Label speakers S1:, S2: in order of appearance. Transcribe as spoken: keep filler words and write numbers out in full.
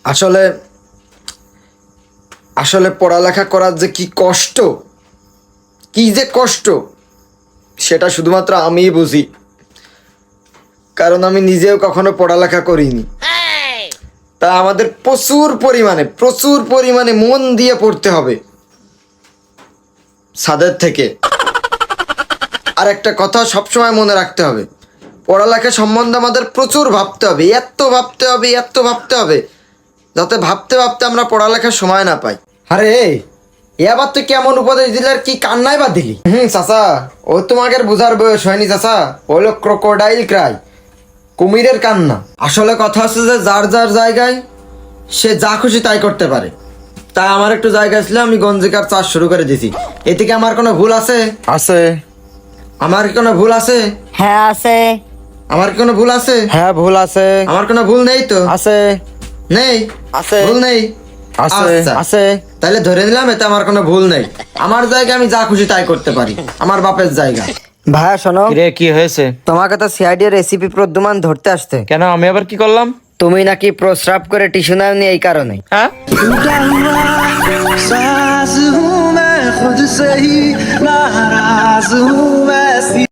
S1: আসলে আসলে পড়ালেখা করার যে কি কষ্ট, কি যে কষ্ট, সেটা শুধুমাত্র আমিই বুঝি। কারণ আমি নিজেও কখনো পড়ালেখা করিনি। তা আমাদের প্রচুর পরিমাণে প্রচুর পরিমাণে মন দিয়ে পড়তে হবে ছাদের থেকে। আর একটা কথা সবসময় মনে রাখতে হবে, পড়ালেখা সম্বন্ধে আমাদের প্রচুর ভাবতে হবে, এত ভাবতে হবে এত ভাবতে হবে যাতে ভাবতে ভাবতে আমরা পড়ালেখার সময় না পাই। আরে এবার তুই কেমন উপদেশ দিলে আর কি কান্নাই বা দিলি? হুম চাচা, ও তোমাকে বোঝার বয়স হয়নি চাচা, হলো ক্রোকোডাইল ক্রাই, কুমিরের কান্না। আসলে কথা হচ্ছে যে যার যার জায়গায় সে যা খুশি তাই করতে পারে। তাই আমার একটু জায়গা ছিল, আমি গঞ্জিকার চাষ শুরু করে দিয়েছি। এতে কি আমার কোনো ভুল আছে?
S2: আছে।
S1: আমার কি কোনো ভুল আছে?
S3: হ্যাঁ আছে।
S1: আমার কি কোনো ভুল আছে?
S2: হ্যাঁ ভুল আছে।
S1: আমার কোনো ভুল নেই তো?
S2: আছে।
S1: নেই?
S2: আছে।
S1: ভুল নেই?
S2: আছে।
S1: আচ্ছা।
S2: আছে।
S1: তাহলে ধরে নিলাম এতে আমার কোনো ভুল নেই। আমার জায়গা আমি যা খুশি তাই করতে পারি, আমার বাপের জায়গা।
S3: ভাইয়া শোনো,
S2: রে কি হয়েছে?
S3: তোমাকে তো সিআইডি রেসিপি প্রদ্যুমান ধরতে আসতে।
S2: কেন আমি আবার কি করলাম?
S3: তুমি নাকি প্রস্রাব করে টিস্যু নাওনি এই কারণে।
S2: হ্যাঁ
S4: साज हूँ मैं खुद से ही नाराज हूँ मैं सी